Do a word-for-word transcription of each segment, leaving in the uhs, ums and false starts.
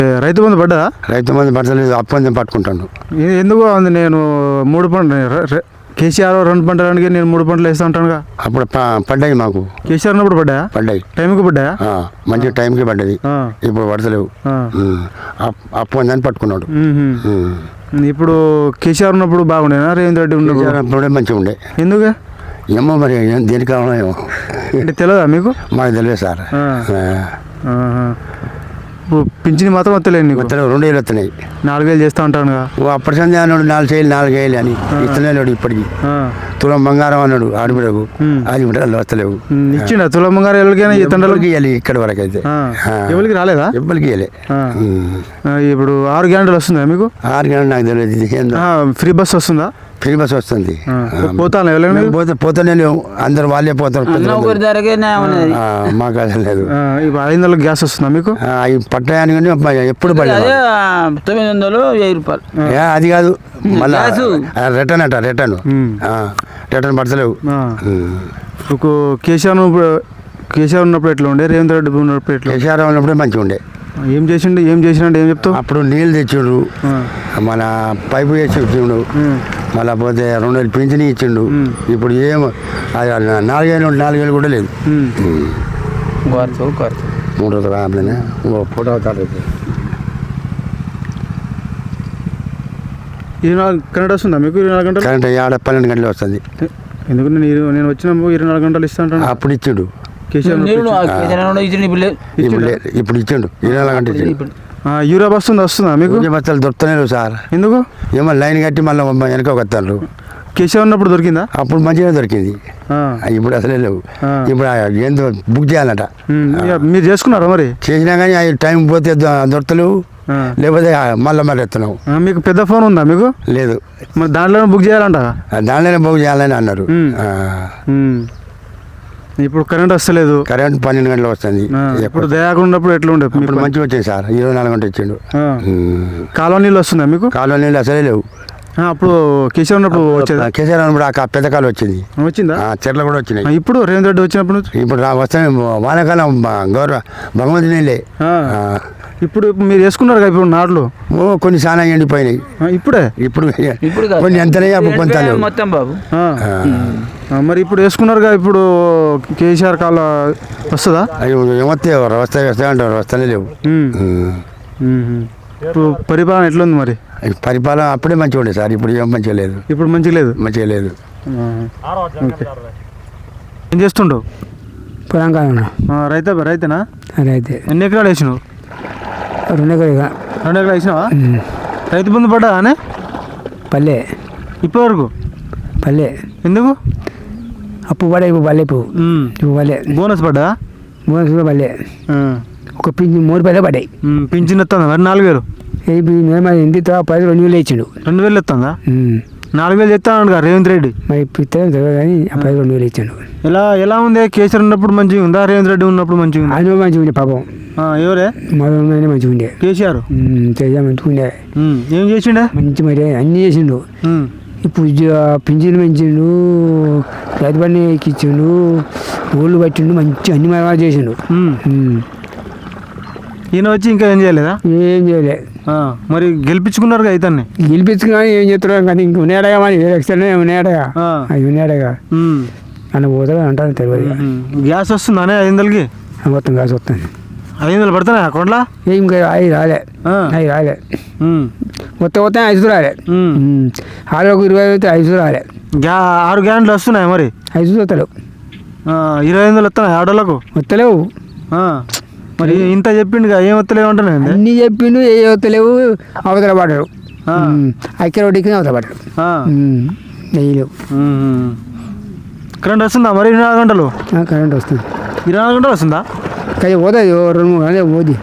రైతు బంధు పడ్డా? రైతు బంధు పడతలేదు, అప్పందం పట్టుకుంటాను. ఎందుకు ఉంది? నేను మూడు పంటలు కేసీఆర్ రెండు పంటలు అడిగి నేను మూడు పంటలు వేస్తా ఉంటానుగా. అప్పుడు పడ్డాయి మాకు. కేసీఆర్ ఉన్నప్పుడు పడ్డాయా? పడ్డాయి, టైంకి పడ్డాయా? మంచి టైంకి పడ్డది. ఇప్పుడు పడతలేవు, అప్పందని పట్టుకున్నాడు. ఇప్పుడు కేసీఆర్ ఉన్నప్పుడు బాగుండేనా? రేవంత్ రెడ్డి ఉన్నప్పుడు అప్పుడే మంచిగా ఉండే. ఎందుకు ఏమో మరి దేనికి కావాలో ఏమో అంటే తెలియదా మీకు? మాకు తెలియదు సార్. పింఛని మాత్రం వస్తలేదు నీకు? వస్తలేవు, రెండు వేలు వస్తున్నాయి. నాలుగు వేలు చేస్తా ఉంటాను. అప్పటి సంది అన్నాడు నాలుగు వేలు నాలుగు వేలు అని ఇస్తలేడు. ఇప్పటికి తులం బంగారం అన్నాడు ఆడబిడకు, అది కూడా వస్తలేవు. ఇచ్చిండ తులం బంగారం ఎవరికైనా తండ్రులకి ఇవ్వాలి. ఇక్కడ వరకు అయితే ఎవరికి రాలేదా? ఎవరికి ఇవ్వలే. ఇప్పుడు ఆరు గ్యారెంటీలు వస్తుందా మీకు? ఆరు గ్యారెంటీ నాకు తెలియదు. ఫ్రీ బస్ వస్తుందా? ఫ్రీ బస్ వస్తుంది. పోతాను పోతే పోతానే లేవు, అందరు వాళ్ళే పోతారు. మాకు అది లేదు. ఇప్పుడు ఐదు వందల గ్యాస్ వస్తుందా మీకు? పట్టాయని కానీ ఎప్పుడు పడలేదు. తొమ్మిది వందలు వెయ్యి రూపాయలు అది కాదు, మళ్ళీ రిటర్న్ అట రిటర్న్ రిటర్న్ పడతలేవు. కేసీఆర్ కేసీఆర్ ఉన్నప్పుడు ఎట్లా ఉండే? రేవంత్ రెడ్డి ఉన్నప్పుడు ఎట్లా? కేసీఆర్ ఉన్నప్పుడే మంచిగా ఉండే. ఏం చేసిండు? ఏం చేసినట్టు ఏం చెప్తావు? అప్పుడు నీళ్ళు తెచ్చిండు, మన పైపు వేసి ఇచ్చిండు, మళ్ళీ పోతే రెండు వేలు పింఛని ఇచ్చిండు. ఇప్పుడు ఏమో నాలుగేళ్ళు నాలుగేళ్ళు కూడా లేదు. మూడు రోజులు ఫోటో కార్డు ఇరవై నాలుగు కరెంట్ వస్తుందా మీకు? ఇరవై నాలుగు గంటలు కరెంట్ ఆడ పన్నెండు గంటలు వస్తుంది. ఎందుకు నేను నేను వచ్చినప్పుడు ఇరవై నాలుగు గంటలు ఇస్తా ఉంటాను. అప్పుడు ఇచ్చిండు కేసీఆర్. ఇప్పుడు ఇచ్చిండు ఇరవై నాలుగు గంటలు ఇచ్చిండు. యూరియా వస్తుంది వస్తుందా మీకు? బస్తాలు దొరుకుతలేవు సార్. ఎందుకు? ఏమో లైన్ కట్టి మళ్ళీ వెనక వస్తారు. కేసీఆర్ ఉన్నప్పుడు దొరికిందా? అప్పుడు మంచిగా దొరికింది, ఇప్పుడు అసలే లేవు. ఇప్పుడు ఏందో బుక్ చేయాలట. మీరు చేసుకున్నారా మరి? చేసినా కానీ అవి టైం పోతే దొరకలేవు, లేకపోతే మళ్ళీ మరి ఎత్తున్నావు. మీకు పెద్ద ఫోన్ ఉందా మీకు? లేదు. మరి దాంట్లోనే బుక్ చేయాలంట? దాంట్లోనే బుక్ చేయాలని అన్నారు. ఇప్పుడు కరెంట్ వస్తలేదు. కరెంట్ పన్నెండు గంటలు వస్తుంది. ఇప్పుడు దయాకుండా ఉన్నప్పుడు ఎట్లా ఉండే? ఇప్పుడు మంచిగా వచ్చింది సార్, ఇరవై నాలుగు గంటలు ఇచ్చిండు. కాలువ నీళ్ళు వస్తుందా మీకు? కాలువ నీళ్ళు అసలే లేవు. అప్పుడు కేసీఆర్ ఉన్నప్పుడు వచ్చేది. కేసీఆర్ ఉన్నప్పుడు ఆ పెద్ద కాలం వచ్చింది. వచ్చిందా? చెట్లు కూడా వచ్చినాయి. ఇప్పుడు రేవంత్ రెడ్డి వచ్చినప్పుడు ఇప్పుడు వస్తాయి వానాకాలం గౌరవ భగవంతు నీళ్ళే. ఇప్పుడు మీరు వేసుకున్నారు ఇప్పుడు నాట్లు ఓ కొన్ని చాలా ఎండిపోయినాయి. ఇప్పుడే ఇప్పుడు కొన్ని ఎంతనే అప్పుడు కొంత మొత్తం బాబు. మరి ఇప్పుడు వేసుకున్నారుగా, ఇప్పుడు కేసీఆర్ కాల వస్తుందా? ఏమొస్తాయి వస్తాయి వస్తాయి అంటారు, వస్తానే లేవు. ఇప్పుడు పరిపాలన ఎట్లుంది మరి? పరిపాలన అప్పుడే మంచిగా ఉండే సార్, ఇప్పుడు ఏం మంచిగా లేదు. ఇప్పుడు మంచిగా లేదు, మంచిగా లేదు. ఏం చేస్తుండవు? పొలం కాదు. రైతే రైతేనా? రైతే. ఎన్ని ఎకరాలు వేసినావు? రెండు ఎకరాలు. రెండు ఎకరాలు వేసినావా? రైతు బంధు పడ్డా అనే? పల్లె ఇప్పటి వరకు పల్లె. ఎందుకు? అప్పు పడే ఇప్పుడు పల్లె. ఇప్పుడు ఇప్పుడు పల్లె. బోనస్ పడ్డా? బోనస్ కూడా పల్లె. ఒక పింఛన్ మూడు పల్లె పడ్డాయి. పింఛన్ వస్తుందా మరి? నాలుగు వేలు ఇంటి పది రెండు వేలు ఇచ్చిండు. రెండు వేలు వస్తుందా? నాలుగు వేలు చెప్తాను రేవంత్ రెడ్డి. మరి ఇస్తాను కానీ పది రెండు వేలు ఇచ్చాడు. ఎలా ఎలా ఉంది? కేసీఆర్ ఉన్నప్పుడు మంచిగా ఉందా? రేవంత్ రెడ్డి ఉన్నప్పుడు మంచిగా ఉంది? ఆయన మంచిగా ఉండే పాపం. ఎవరే? మొదలు మంచిగా ఉండే కేసీఆర్. మంచిగా ఉండే. ఏం చేసిండే? మంచి మరి అన్నీ చేసిండు. ఇప్పుడు పింఛన్ పెంచిండు, రైతు బండి ఎక్కించిండు, ఊళ్ళు పట్టిండు, మంచి అన్ని మరణ చేసిండు. ఈయన వచ్చి ఇంకా ఏం చేయలేదా? ఏం చేయలే. మరి గెలిపించుకున్నారు కదా ఇతన్ని? గెలిపించుకున్నా ఏం చేస్తున్నారు కానీ ఇంక ఉన్నాడగా మరి ఎక్స్ట్రా ఉన్నాడగా అవి ఉన్నాడగా అన్న పోతాడు అంటారు తెలియదు. గ్యాస్ వస్తుందా ఐదు వందలకి? మొత్తం గ్యాస్ వస్తుంది. ఐదు వందలు పడుతున్నాయి అకౌంట్లో? ఏం అవి రాలే, అవి రాలే. మొత్తం మొత్తం ఐదు రాలే. ఆరు ఒక ఇరవై అయితే ఐదు రాలే. గ్యా ఆరు గ్యారెంట్లు వస్తున్నాయి మరి? ఐదు వస్తలేవు. ఇరవై వందలు వస్తున్నాయి ఆటోలకు? వస్తలేవు. మరి ఇంత చెప్పిండు ఏం వస్తలేవు అంటున్నా? అన్నీ చెప్పిండు, ఏ వస్తలేవు. అవతల పడ్డారు, ఐక్య రోడ్డుకి అవతల పడ్డారు. నెయ్యలేవు. కరెంట్ వస్తుందా మరి? ఇరవై నాలుగు గంటలు కరెంట్ వస్తుంది. ఇరవై నాలుగు గంటలు వస్తుందా? కానీ పోతుంది రెండు మూడు గంటలు పోతుంది.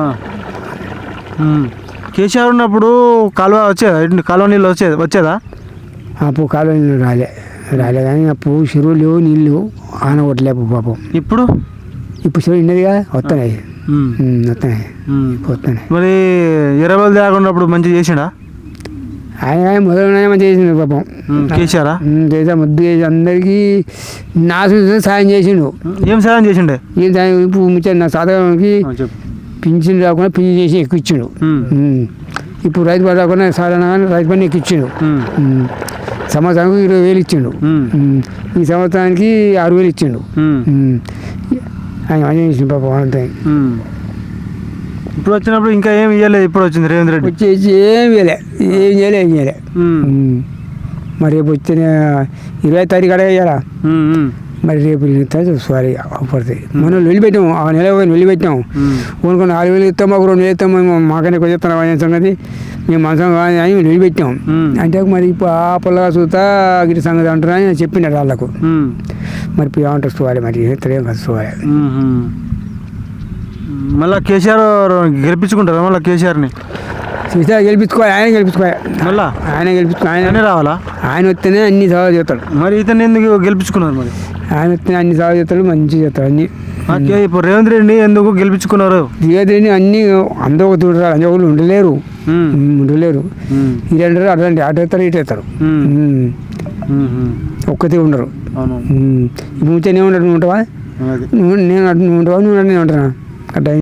కేసీఆర్ ఉన్నప్పుడు కాలువ వచ్చేదా? కాలువ నీళ్ళు వచ్చేది వచ్చేదా? అప్పుడు కాలువ నీళ్ళు రాలే రాలే కానీ అప్పుడు చెరువులు లేవు, నీళ్ళు ఆన కొట్టలేపు పాపం. ఇప్పుడు ఇప్పుడు చెరువు ఉన్నదిగా వస్తున్నాయి వస్తున్నాయి వస్తున్నాయి. మరి ఇరవై వేలు దాకున్నప్పుడు మంచిగా చేసిండా ఆయన? మొదలు మంచిగా చేసిండు పాపం కేసీఆర్. చేసా ముద్దు చేసి అందరికీ నాశనం సాయం చేసిండు. ఏం సాయం చేసిండే? ఏం సాయం? ఇప్పుడు ముచ్చ నా సాధకానికి పింఛన్ రాకుండా పింఛన్ చేసి ఎక్కిచ్చిండు ఉమ్. ఉమ్. ఇప్పుడు రైతు బంధు రాకుండా సాధారణ రైతు బంధు ఎక్కిచ్చిండు ఉమ్. ఉమ్. సంవత్సరానికి ఇరవై వేలు ఇచ్చిండు ఉమ్. ఉమ్. ఈ సంవత్సరానికి ఆరు వేలు ఇచ్చిండు ఉమ్. ఉమ్. ఆయన అన్యాయం చేసిండు పాపం అంతే ఉమ్. ఇప్పుడు వచ్చినప్పుడు ఇంకా ఏం ఇవ్వలేదు ఇప్పుడు వచ్చింది రేవంత్ రెడ్డి వచ్చేసి ఏం చేయలే ఏం చేయలే ఏం చేయలే ఉమ్. ఉమ్. మరి రేపు వచ్చిన ఇరవై తారీఖు అడగ ఇవ్వాలా ఉమ్. ఉమ్. మరి రేపు చూసుకోవాలి పడుతుంది మనం వెళ్ళిపెట్టాం ఆ నెల పోయి వెళ్ళిపెట్టాం ఉమ్. కొనుక్కొని నాలుగు వేలు ఇస్తాం మాకు రెండు వేలు ఇస్తాం మేము మాకనే కొంచెం చెప్తున్నాం అనే సంగతి మేము మనసం కానీ అని వెళ్ళిపెట్టాం ఉమ్. అంటే మరి ఇప్పుడు ఆ పొలగా చూస్తా గిరి సంగతి అంటారు అని చెప్పినారు వాళ్ళకు ఉమ్. మరి ఇప్పుడు ఏమంటారు చూడాలి మరి ఇతరేం కాదు చూడాలి ఉమ్. మళ్ళా కేసీఆర్ గెలిపించుకుంటారా మళ్ళీ కేసీఆర్ని చూస్తే గెలిపించుకోవాలి ఆయన గెలిపించుకోవాలి మళ్ళా ఆయన గెలిపించుకో ఆయన ఆయనే రావాలా ఆయన వస్తేనే అన్ని సవాలు చేస్తాడు మరి ఇతను ఎందుకు గెలిపించుకున్నారు మరి ఆయన వస్తేనే అన్ని సవాలు చేస్తాడు మంచిగా చేస్తాడు అన్ని ఆ కే- ఇప్పుడు రేవంత్ రెడ్డి ఎందుకు గెలిపించుకున్నారు దిగదని అన్ని అందరూ ఒక చూడరారు అందరూ ఒకరు ఉండలేరు ఉమ్. ఉమ్, ఉండలేరు ఉమ్. ఇది అంటారు అట్లాంటి అటు వేస్తారు ఇటు వేస్తారు ఉమ్. ఉమ్. ఉమ్. ఉమ్. ఒక్కతే ఉండరు అవును ఉమ్. ఇప్పుడు ఉంటే నేను ఉండడు నువ్వు ఉంటావా అది నువ్వు నేను అటు నువ్వు ఉంటావా నువ్వు నేను ఉంటానా అట్లా